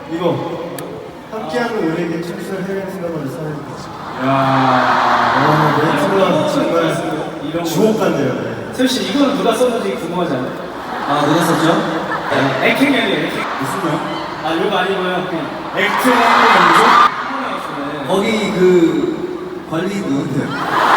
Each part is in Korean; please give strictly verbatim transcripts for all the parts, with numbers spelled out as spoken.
이거 함께하는 우리에게 춤추는 해외 생각을 써야 야, 아, 멘트가 정말 이런 주옥 같네요. 네. 세훈 씨, 이거는 누가 썼는지 궁금하지 않아요? 아, 누가 썼죠? 액팅이 아니에요, 액팅. 무슨 말? 아, 이거 아니고요. 그냥 액팅 하는 거 거기 그 관리 누군데요?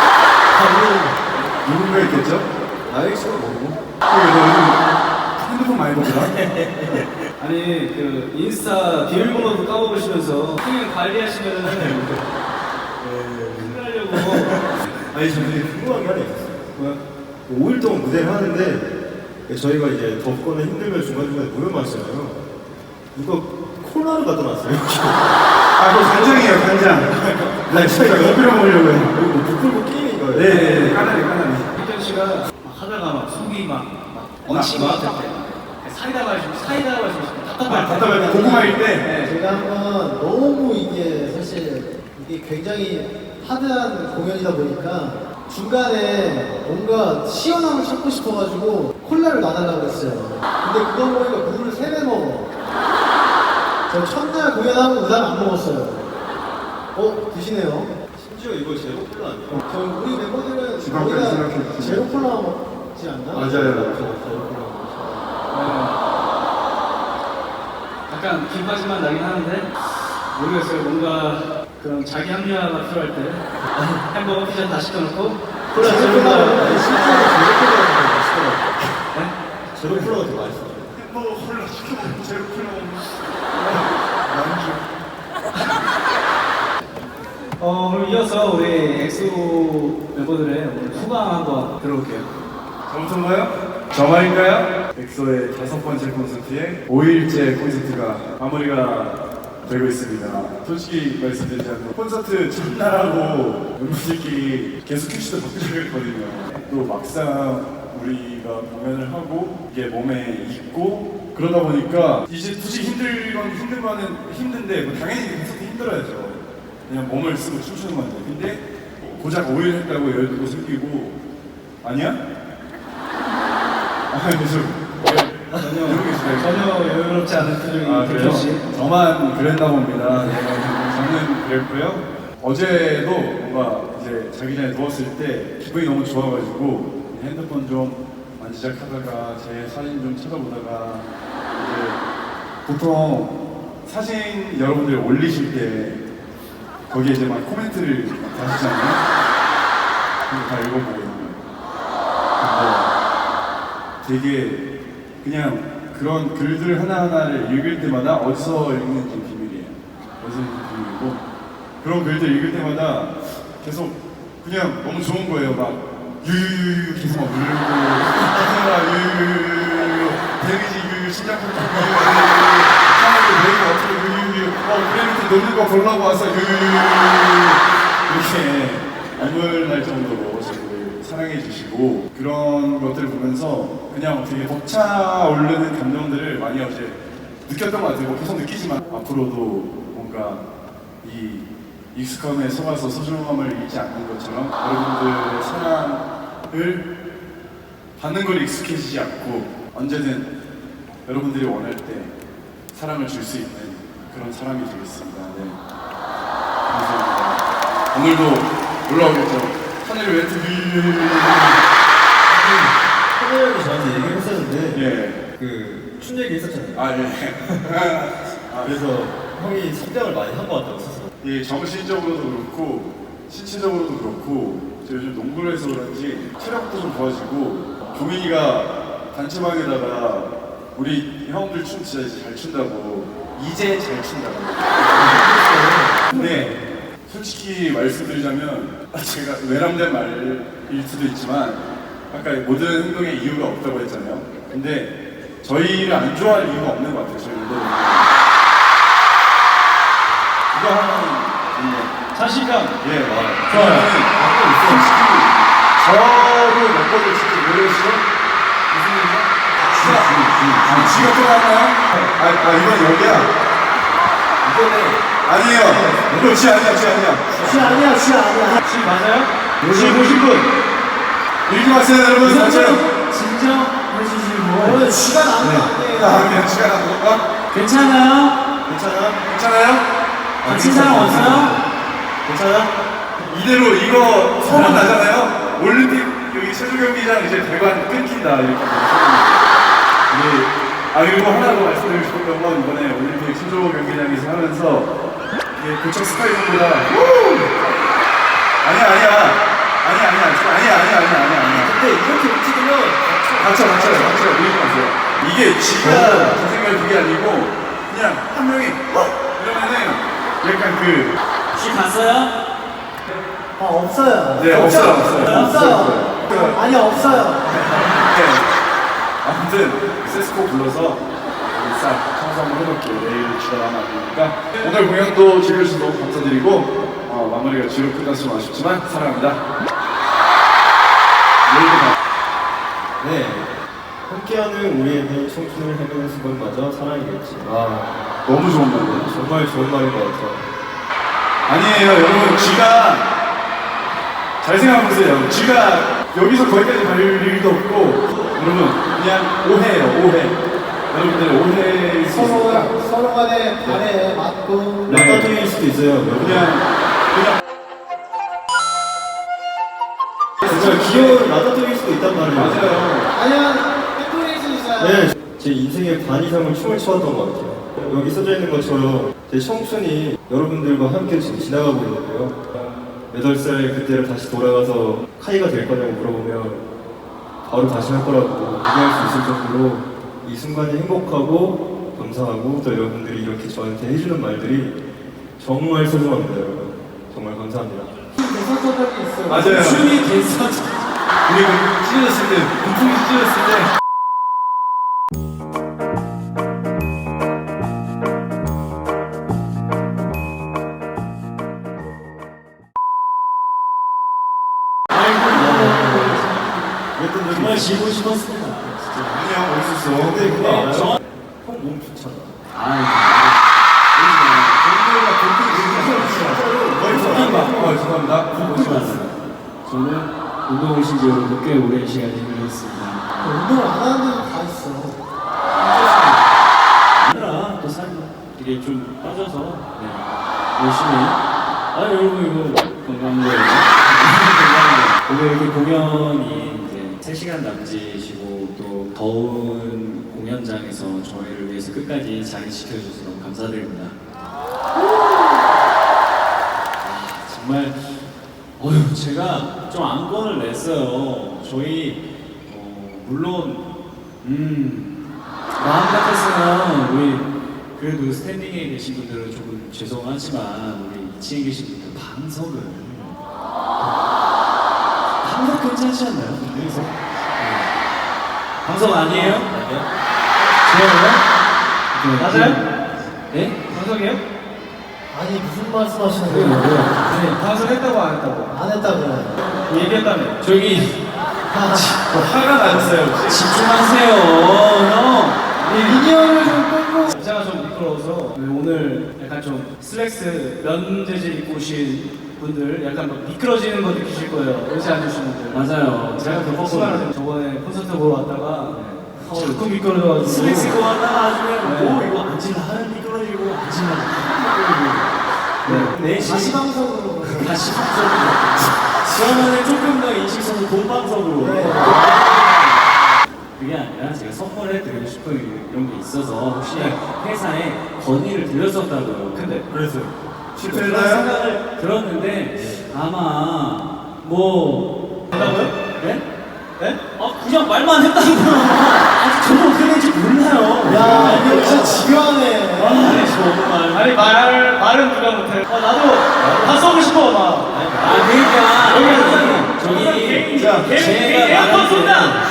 누군가 있겠죠? 알렉스가 뭐고? 너 요즘 핸드폰 많이 보더라? 아니, 그 인스타 비밀번호도 까먹으시면서 통행 관리하시면은 큰일 나려고. 아니 저 되게 궁금한 게 하나 있었어요. 뭐야? 오 일 동안 무대를 하는데 저희가 이제 덥거나 힘들면 중간중간에 물을 마시잖아요. 누가 콜라를 갖다 놨어요. 아, 그거 간장이에요, 간장. 나 저희가 옆으로 먹으려고 해요. 이거 뭐 부풀고 게임인 거예요? 네, 까나리, 까나리. 혜경 씨가 막 하다가 막 속이 막, 막 얹힌 것 같을 때 사이다 마시고 사이다 마시고 답답할 때 답답할 때, 고구마일 때. 네. 제가 한번 너무 이게 사실 이게 굉장히 하드한 공연이다 보니까 중간에 뭔가 시원함을 찾고 싶어가지고 콜라를 놔달라고 했어요. 근데 그거 보니까 물을 세 배 먹어. 저 첫날 공연하고 그 다음 안 먹었어요. 어? 드시네요. 심지어 이거 제로 콜라 아니에요? 저 우리 멤버들은 지금까지 거의 다 생각해보시면. 제로 콜라 먹지 않나? 맞아요. 제로 콜라. 약간 김바지만 나긴 하는데 모르겠어요. 뭔가 그런 자기 합리화가 필요할 때 햄버거 피자 다 시켜놓고 콜라 제로 콜라. 아니, 실제로 제로 콜라가 맛있더라고요. 네? 제로 콜라가 더 맛있어요. 햄버거 콜라 시켜먹고 제로 콜라 먹는 어, 그럼 이어서 우리 엑소 멤버들의 오늘 후광 한번 들어볼게요. 저부터인가요? 저 말인가요? 엑소의 다섯 번째 콘서트에 오 일째 콘서트가 마무리가 되고 있습니다. 솔직히 말씀드리자면 콘서트 첫날하고 멤버들끼리 계속 큐시도 바꾸려고 했거든요. 또 막상 우리가 공연을 하고 이게 몸에 익고 그러다 보니까 이제 굳이 힘들 건 힘든 거는 힘든데 뭐 당연히 콘서트 힘들어야죠. 그냥 몸을 쓰고 춤추는 건데 근데 고작 오 일 했다고 열두 생기고 아니야? 아, 그래서 전혀, 이러고 계시네요. 전혀 여유롭지 않은 표정이 아, 그래요? 대표 씨. 저만 그랬나 봅니다. 네, 저는 그랬고요. 어제도 뭔가 이제 자기 전에 누웠을 때 기분이 너무 좋아가지고 핸드폰 좀 만지작하다가 제 사진 좀 찾아보다가 이제 보통 사진 여러분들이 올리실 때 거기에 이제 막 코멘트를 막 다시잖아요. 그거 다 읽어보거든요. 근데 되게 그냥 그런 글들 하나하나를 읽을 때마다 어디서 읽는지 비밀이에요. 어디서 읽는지 비밀이고 그런 글들 읽을 때마다 계속 그냥 너무 좋은 거예요. 막 유유유유 계속 막 울고 하늘아 유유유유 데미지 유유 심장부터 유유유유 하늘을 내리고 어떻게 유유유유 어 그래 밑에 노는 거 보려고 와서 유유유유 이렇게 눈물 날 정도로 저를 사랑해 주시고 그런 것들을 보면서 그냥 되게 벅차오르는 감정들을 많이 어제 느꼈던 것 같아요. 계속 느끼지만 앞으로도 뭔가 이 익숙함에 속아서 소중함을 잃지 않는 것처럼 여러분들의 사랑을 받는 걸 익숙해지지 않고 언제든 여러분들이 원할 때 사랑을 줄 수 있는 그런 사람이 되겠습니다. 네. 감사합니다. 오늘도 올라오겠죠. 하늘을 왜 이렇게 하늘 형이 저한테 얘기했었는데 예. 그 춤 얘기 했었잖아요. 아 예. 아, 그래서 형이 성장을 많이 한 것 같다고 스스로. 예, 정신적으로도 그렇고 신체적으로도 그렇고 제가 요즘 농구를 해서 그런지 체력도 좀 좋아지고 종민이가 단체방에다가 우리 형들 춤 진짜 이제 잘 춘다고 이제 잘 춘다고 근데 솔직히 말씀드리자면 제가 외람된 말일 수도 있지만 아까 모든 행동에 이유가 없다고 했잖아요. 근데 저희를 안 좋아할 이유가 없는 것 같아요. 저희도 이거 하나는 자신감. 예, 맞아요. 좋아요. 솔직히 저도 몇 번을 진짜 모르겠어요? 무슨 일이야? 쥐가, 쥐, 쥐가 또 나왔나요? 아, 아, 이건 여기야? 이번에 아니에요. 이거 쥐 아니야, 쥐 아니야. 쥐 아니야, 쥐 아니야. 씨 맞아요? 씨 보신 분. 읽지 마세요, 여러분. 상처. 진정해주시고. 오늘 쥐가 나는 거 아니에요. 아, 그냥 쥐가 나온 건가? 괜찮아요? 괜찮아? 괜찮아요? 다친 사람 없어요? 괜찮아? 이대로 이거 소문 나잖아요. 올림픽 여기 체조 경기장 이제 대관 끊긴다 이렇게. 우리 아 그리고 하나 더 말씀드리고 싶었던 건 이번에 올림픽 체조 경기장에서 하면서 이게 고척 스카이돔보다 아니야 아니야 아니야 아니야 아니야 아니야 아니야 아니야 아니야. 근데 이렇게 움직이면 닥쳐 닥쳐 닥쳐 이러지 마세요. 이게 지가 제 생각 그게 아니고 그냥 한 명이 어? 이러면은 약간 그 혹시 갔어요? 아 없어요. 네, 없어요, 없어요. 없어요. 없어요. 아니 없어요. 네. 아무튼 세스코 불러서 우리 싹 청소 한번 해놓고 내일 주말하면 안 되니까 오늘 공연도 즐겨주셔서 너무 감사드리고 어, 마무리가 뒤로 끝났으면 아쉽지만 사랑합니다. 내일도 봐. 네. 함께하는 우리에게 청춘을 헤매는 것마저 사랑이겠지. 아 너무 좋은 말이에요. 정말 좋은 말인 것 같아요. 아니에요 여러분 쥐가 잘 생각해보세요. 쥐가 여기서 거기까지 갈 일도 없고 여러분 그냥 오해예요 오해. 여러분들 오해일 수 서로 있으니까 서로 간에 발에 맞고 네. 낙가둥이일 수도 있어요. 그냥 그냥 진짜 귀여운 라따둥이일 수도 있단 말이에요. 맞아요. 아니면 팩토리일 수 있어요. 네, 제 인생의 반 이상을 춤을 춰왔던 것 같아요. 여기 써져 있는 것처럼 제 청춘이 여러분들과 함께 지금 지나가고 있는데요. 여덟 살 그때를 다시 돌아가서 카이가 될 거냐고 물어보면 바로 다시 할 거라고 얘기할 수 있을 정도로 이 순간이 행복하고 감사하고 또 여러분들이 이렇게 저한테 해주는 말들이 정말 소중합니다, 여러분. 정말 감사합니다. 대선적 적이 있어요. 맞아요. 춤이 됐어. 우리 그 찢어졌을 때 분풍이 찢어졌을 때 그랬던 적이 정말 있어요. 지고 싶었습니다. 아니야 올 수 있어. 근데 그거 알아요? 저- 형 몸 좋잖아. 어, 죄송합니다. 저는 운동 오신 지 여러분 꽤 오랜 시간이 흘렀습니다. 운동을 안 하는 데도 다 있어. 아니라 또 살이 이게 좀 빠져서 네. 열심히. 아 여러분 이거 건강한 거예요. 건강한 거. 오늘 이렇게 공연이 이제 세 시간 남짓이고 또 더운 공연장에서 저희를 위해서 끝까지 자리 지켜주셔서 너무 감사드립니다. 정말 어휴 제가 좀 안건을 냈어요. 저희 어, 물론 음 마음 같았으면 우리 그래도 스탠딩에 계신 분들은 조금 죄송하지만 우리 이 층에 계신 분들 방석을 방석 괜찮지 않나요? 여기서 네. 방석 아니에요? 좋아요? 맞아요? 네? 방석이에요? 아니 무슨 말씀하시는 거예요? 네, 방송했다고 안 했다고? 안 했다고요. 얘기했다며. 저기 아, 화가 나셨어요 혹시? 집중하세요, 형. 미니언을 좀 끌고 제가 좀 미끄러워서 오늘 약간 좀 슬랙스 면 재질 입고 오신 분들 약간 막 미끄러지는 거 느끼실 거예요. 의자 앉으신 분들. 맞아요. 제가 겪었거든요. 저번에 콘서트 보러 왔다가 자꾸 미끄러져가지고 슬랙스 입고 왔다가 나중에 오 이거 앉으려 하는 미끄러지고 앉으려 미끄러지고 네, 네 다시 방송으로 다시 방송으로. 그러면은 조금 더 인식선을 본방송으로. 네. 그게 아니라 제가 선물해 드리고 싶은 이런 게 있어서 혹시 회사에 건의를 드렸었다고요. 근데 그래서 그런 실패했나요? 생각을 들었는데 아마 뭐 된다고요? 네? 네? 아 그냥 말만 했다고요. 아직 저도 어떻게 되는지 몰라요. 야 이거 진짜 지겨하네. 아니 정말. 아니 말 말은 누가 못해. 아 나도 다 써고 싶어 막. 아 그러니까 여기 하나 저기 자, 제가 말할 때는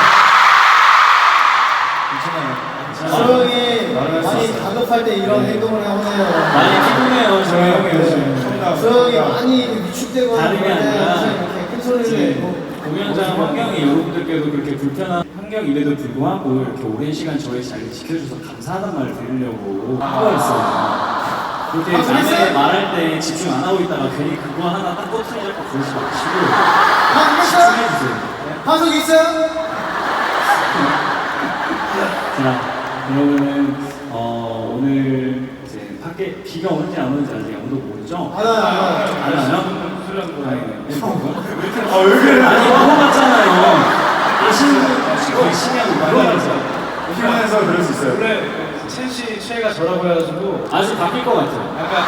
수영이 말할 수 많이 있어요. 다급할 때 이런 행동을 하네요. 많이 피곤해요 저희 형이 요즘. 수영이 많이 위축되고 다름이 그럴 때 아니라 항상 이렇게 큰 소리를 이제 내고 공연장 환경이 여러분들께도 그렇게 불편한 환경임에도 불구하고 이렇게 오랜 시간 저희 자리를 지켜줘서 감사하다는 말을 드리려고 한 거였어요. 그렇게 아, 남의 그랬어요? 말할 때 집중 안 하고 있다가 괜히 그거 하나 딱 꼬투리 잡고 그러지 마시고 방송 있어요? 집중해주세요. 방송 있어요? 자, 그러면은 어, 오늘 밖에 비가 오는지 안 오는지 아직 아무도 모르죠? 안 와요, 안 와요. 안 와요? 다행이네. 아, 왜 그래? 아니 이거 봤잖아요. 신부 거의 신형 이러면서 피곤해서 그럴 수 있어요. 원래 첸씨 최애가 저라고 해가지고 아주 바뀔 것 같아요. 약간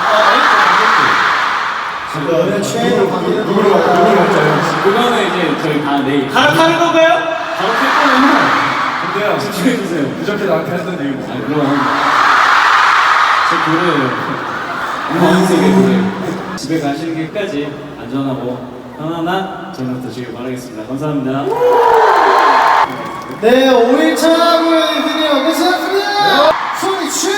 어 원래 최애로 바뀌는 누구로 갈- 누구로 갈까요? 그거는 이제 저희 다 내일 갈아타는 건가요? 갈아탈 거면 근데요, 집중해주세요. 그저께 나한테 했던 얘기 뭐? 아 그럼 제 노래예요. 음악세계 노래. 집에 가시는 길까지 안전하고 편안한 저녁 되시길 바라겠습니다. 감사합니다. 네, 오 일차 공연이 드디어 끝났습니다. 소리 치!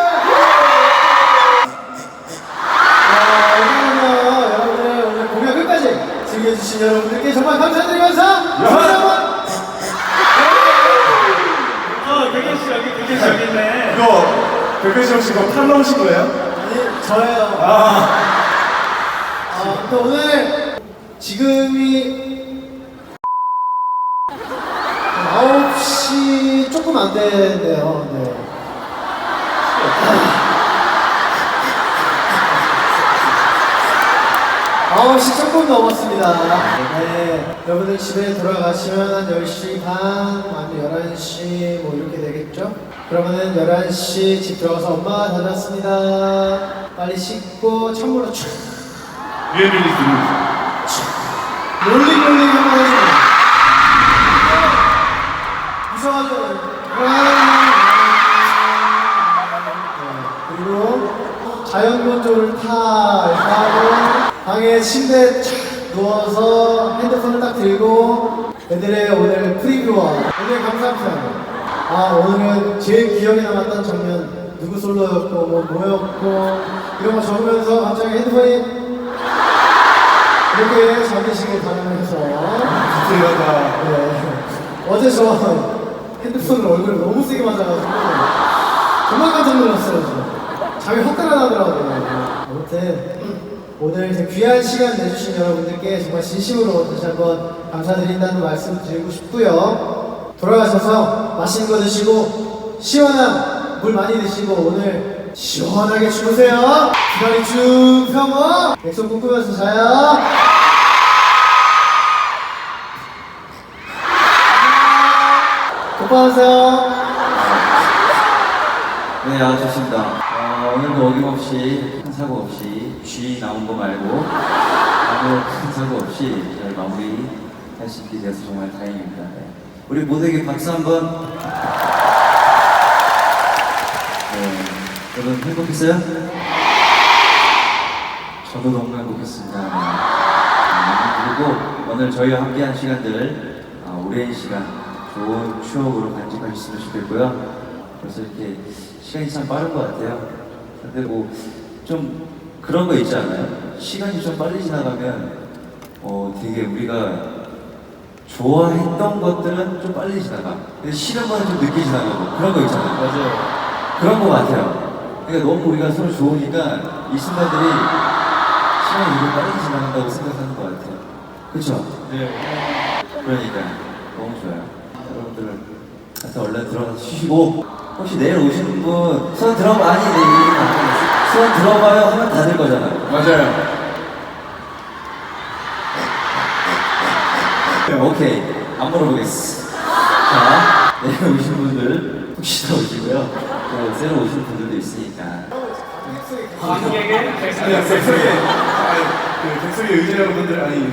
아, 여러분들 오늘 공연 끝까지 즐겨주신 여러분들께 정말 감사드리면서 소리 한번. 어, 백현 씨 여기, 백현 씨 여기 있네. 이거 백현씨 혹시 이거 팔로 오신 거예요? 아니, 저예요. 아, 아, 또 오늘 지금이 아홉 시 조금 안 되네요. 네. 아홉 시 조금 넘었습니다. 네, 여러분들 집에 돌아가시면 한 열 시 반, 아니면 열한 시 뭐 이렇게 되겠죠? 그러면은 열한 시 집 들어가서 엄마 다녔습니다. 빨리 씻고 찬물로 촥 리얼리티 롤링롤링 한번 해주세요. 무서워하죠? 네, 그리고 자연건조를 타 이렇게 하고 방에 침대에 착 누워서 핸드폰을 딱 들고 애들의 오늘 프리뷰와 오늘 감상편 아 오늘은 제일 기억에 남았던 장면 누구 솔로였고 뭐 뭐였고 이런 거 적으면서 갑자기 핸드폰이 이렇게 잠드시길 바라면서 디테일하다. 네. 어제 저 핸드폰을 얼굴에 너무 세게 맞아가지고 정말 깜짝 놀랐어요. 저. 잠이 확 달아나더라고요. 아무튼 오늘 이제 귀한 시간 내주신 여러분들께 정말 진심으로 다시 한번 감사드린다는 말씀 드리고 싶고요. 돌아가셔서 맛있는 거 드시고 시원한 물 많이 드시고 오늘 시원하게 주무세요. 기다리 쭉 펴고 약속 꿈꾸면서 자요. 오빠하세요. 네, 아, 좋습니다. 어, 오늘도 어김없이 큰 사고 없이 쥐 나온 거 말고 아무 큰 사고 없이 잘 마무리 할 수 있게 돼서 정말 다행입니다. 네. 우리 모두에게 박수 한번. 네, 여러분 행복했어요? 저도 너무 행복했습니다. 네. 음, 그리고 오늘 저희와 함께한 시간들 어, 오랜 시간 좋은 추억으로 간직하셨으면 좋겠고요. 그래서 이렇게 시간이 참 빠른 것 같아요. 근데 뭐 좀 그런 거 있지 않아요? 시간이 좀 빨리 지나가면 어 되게 우리가 좋아했던 것들은 좀 빨리 지나가. 근데 싫은 거는 좀 늦게 지나가고 그런 거 있잖아요. 맞아요. 그런 거 같아요. 그러니까 너무 우리가 서로 좋으니까 이 순간들이 시간이 되게 빨리 지나간다고 생각하는 것 같아요. 그렇죠? 네. 그러니까 너무 좋아요. 여러분들 가서 얼른 들어가서 쉬시고 혹시 내일 오시는 분 손 들어봐. 아니 내일 손 들어봐요 하면 다 될 거잖아요. 맞아요. 오케이, 안 물어보겠어. 자, 내일 오신 분들 혹시나 오시고요. 또 새로 오시는 분들도 있으니까. 관객에게 아니, 백설이, 아니, 그 백설이 의지 여러분들 아니.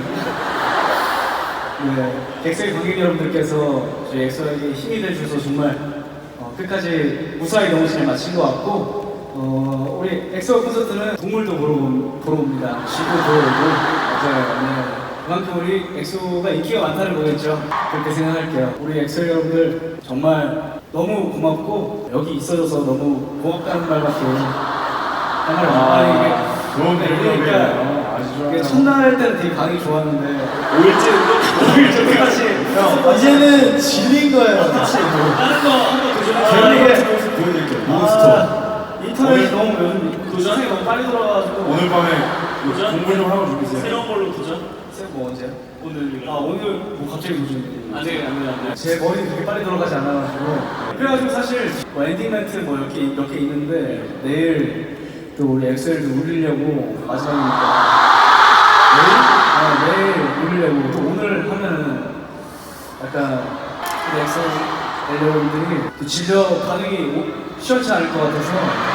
네, 엑소의 관객 여러분들께서 저희 엑소에게 힘이 돼주셔서 정말 어, 끝까지 무사히 너무 잘 마친 것 같고 어, 우리 엑소 콘서트는 동물도 보러, 온- 보러 옵니다. 쥐도 보러 오고 맞아요. 네. 그만큼 우리 엑소가 인기가 많다는 거겠죠. 그렇게 생각할게요. 우리 엑소 여러분들 정말 너무 고맙고 여기 있어줘서 너무 고맙다는 말밖에 정말 아, 아니 이게 좋은 네, 결과네요. 그러니까 아주 이게 좋아요. 첫날 때는 되게 반응이 좋았는데 오일째 오 일째까지 이제는 질린 거예요. 그치? 다른 거 한번 도전해. 결국에 보여드릴게요. 몬스터. 아, 인터넷이 너무 요즘 도전이 너무 빨리 돌아가지고 오늘 밤에 도전? 공부 좀 하고 주무세요. 새로운 걸로 도전? 새뭐 언제요? 오늘 아 오늘 뭐 갑자기 도전이 안돼 안돼 안돼 제 머리 되게 빨리 돌아가지 않아가지고 그래가지고 사실 뭐 엔딩 멘트 뭐 이렇게 몇 개 있는데 내일 또 우리 엑소엘도 울리려고 마지막이니까 내일? 아, 내일 울리려고 또 오늘 하면은 약간 우리 엑소엘 여러분들이 또 질려 반응이 오- 시원치 않을 것 같아서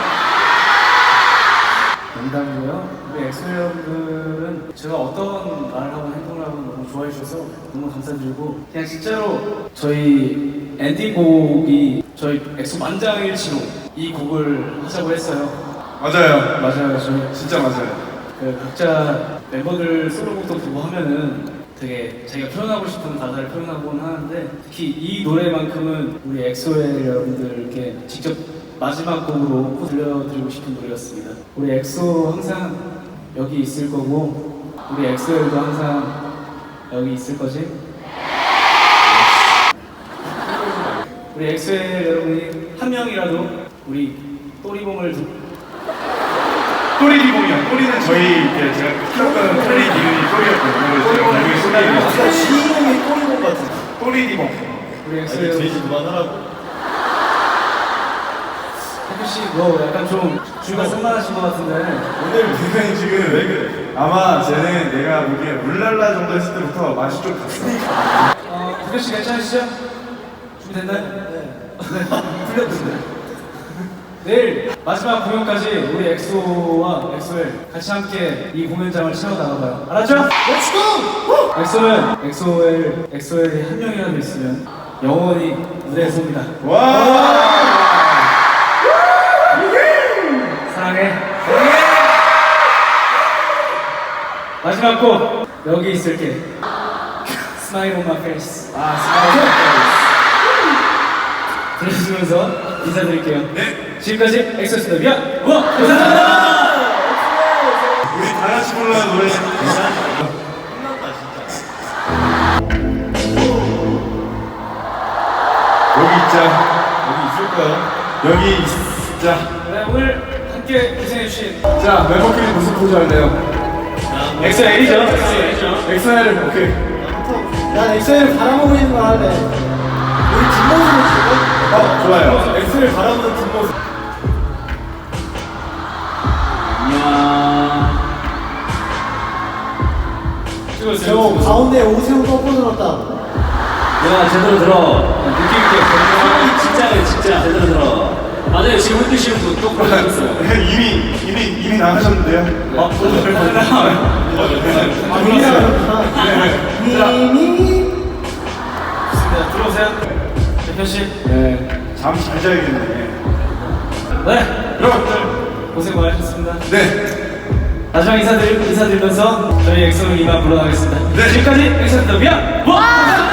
농담이고요. 우리 엑소 여러분들은 제가 어떤 말을 하고 행동을 하고 너무 좋아해 주셔서 너무 감사드리고 그냥 진짜로 저희 엔딩곡이 저희 엑소 만장일치로 이 곡을 하자고 했어요. 맞아요. 맞아요. 저희 진짜 맞아요. 그 각자 멤버들 솔로곡도 보고 하면은 되게 자기가 표현하고 싶은 가사를 표현하곤 하는데 특히 이 노래만큼은 우리 엑소의 여러분들께 직접 마지막 곡으로 꼭 들려드리고 싶은 노래였습니다. 우리 엑소 항상 여기 있을 거고 우리 엑소엘도 항상 여기 있을 거지? 우리 엑소엘 여러분이 한 명이라도 우리 또리봉을 두- 또리리봉이요. 또리는 저희 이제 제가 키웠던 토리 이름이 또리였거든요. 그래서 제가 나중에 소개를 아까 주인공이 꼬리공 같은. 또리리봉. 우리 아니 엑소엘 돼지 그만하라고. 혜규 씨, 뭐 약간 좀 주가 산만하신 것 같은데. 오늘 굉장히 지금 왜 그래? 아마 쟤는 내가 보기에 울랄라 정도 했을 때부터 맛이 좀 갔어. 어, 혜규 씨 괜찮으시죠? 준비됐나요? 네. 풀렸는데. 내일 마지막 공연까지 우리 엑소와 엑소엘 같이 함께 이 공연장을 채워 나가봐요. 알았죠? Let's go! 엑소는 엑소엘, 엑소엘이 한 명이라도 있으면 영원히 무대에 섭니다. 와! 사랑해. 사랑해. 마지막 곡 여기 있을게. Smile on my face. 아, 스마일. 들려주면서 인사드릴게요. 네. 지금까지 엑소였습니다. 미안. 와, 감사합니다. 우리 다 같이 불러는 노래. 여기 있자. 여기 있을 거야. 여기 있자. 네, 오늘 함께 고생해주신 자, 멤버끼리 무슨 포즈 할래요? 엑소엘이죠. 엑소엘이죠. 엑소엘을 오케이. 난 엑소엘을 바라보고 있는 거 할래. 우리 뒷모습을 찍어? 어, 좋아요. 엑스를 바라보는 뒷모습. 저 가운데 오세훈 꺾어 들었다. 야 제대로 들어 느낌 있게 진짜네 진짜 제대로 들어 맞아요 지금 흔드시는 분또 그러고 있어요 이미 이미 이미 나가셨는데요. 어, 오늘 아, 이미 좋습니다. 들어오세요. 대표 씨. 네, 잠 잘 자야겠네. 네, 여러분들, 고생 많으셨습니다. 네, 마지막 인사드리, 인사드리면서 저희 엑소는 이만 물러나겠습니다. 네. 지금까지 엑소였습니다. 미안! 뭐?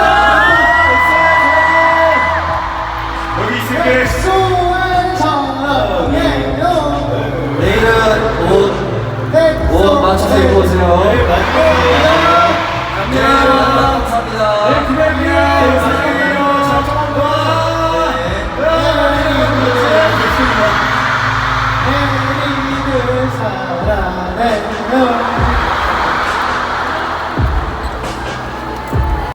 여기 있을게. 엑소엘 사랑해요. 내일은 옷, 옷 맞춰서 입고 오세요 엑소 네 감사합니다 네, 기대할게요.